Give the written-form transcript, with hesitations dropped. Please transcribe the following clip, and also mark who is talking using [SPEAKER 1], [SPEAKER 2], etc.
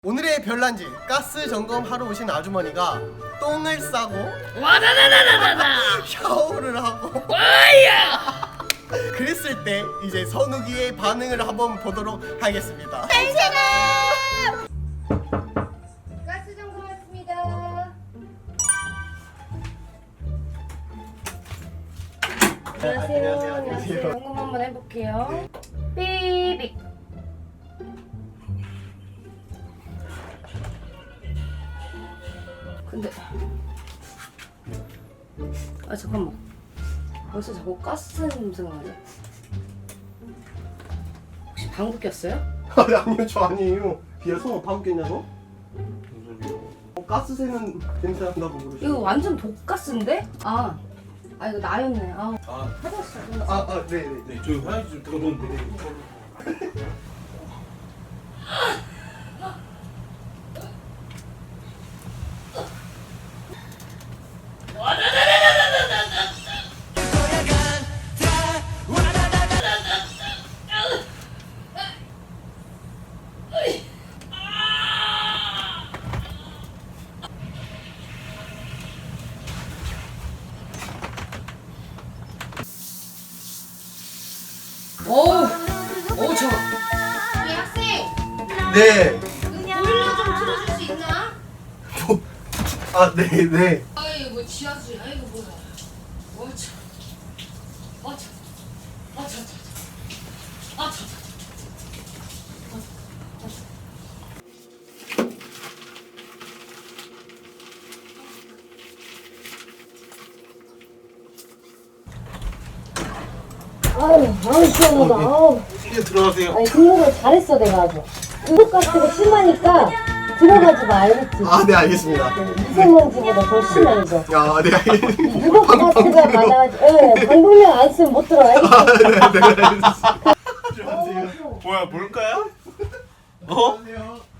[SPEAKER 1] 오늘의 별난지 가스 점검하러 오신 아주머니가 똥을 싸고
[SPEAKER 2] 와다다다다다다
[SPEAKER 1] 샤워를 하고
[SPEAKER 2] 와야
[SPEAKER 1] 그랬을 때 이제 선욱이의 반응을 한번 보도록 하겠습니다.
[SPEAKER 3] 가스 점검 왔습니다. 안녕하세요. 점검 한번 해볼게요. 삐빅. 근데 잠깐만. 벌써 자꾸 가스 냄새가 나죠? 혹시 방구 꼈어요?
[SPEAKER 1] 아니요, 저 아니에요. 비어서 방귀 꼈냐고? 가스 새는 냄새 난다고
[SPEAKER 3] 이거
[SPEAKER 1] 그러시죠?
[SPEAKER 3] 완전 독가스인데? 아 이거 나였네. 화장실.
[SPEAKER 1] 네네.
[SPEAKER 4] 네, 저희 화장실 좀 들어놓는데.
[SPEAKER 3] 어우 저. 이 학생
[SPEAKER 1] 네.
[SPEAKER 3] 보일러 좀 틀어줄 수 있나?
[SPEAKER 1] 네네.
[SPEAKER 3] 아이고 뭐 지하수야. 아이고 뭐야. 어차. 어차. 어차. 어차. 아유 시원하다. 아우.
[SPEAKER 1] 이제 들어가세요.
[SPEAKER 3] 아니 등록을 잘했어 내가 아주. 등록가스가 심하니까 들어가지 마 알겠지?
[SPEAKER 1] 네, 알겠습니다.
[SPEAKER 3] 미세먼지보다 더 심해 이거.
[SPEAKER 1] 네, 알겠습니다.
[SPEAKER 3] 등록가스가 많아가지고 방독면 안 쓰면 못 들어 알겠지?
[SPEAKER 1] 네, 알겠습니다.
[SPEAKER 4] 뭐야, 뭘까요?
[SPEAKER 1] 안녕하세요.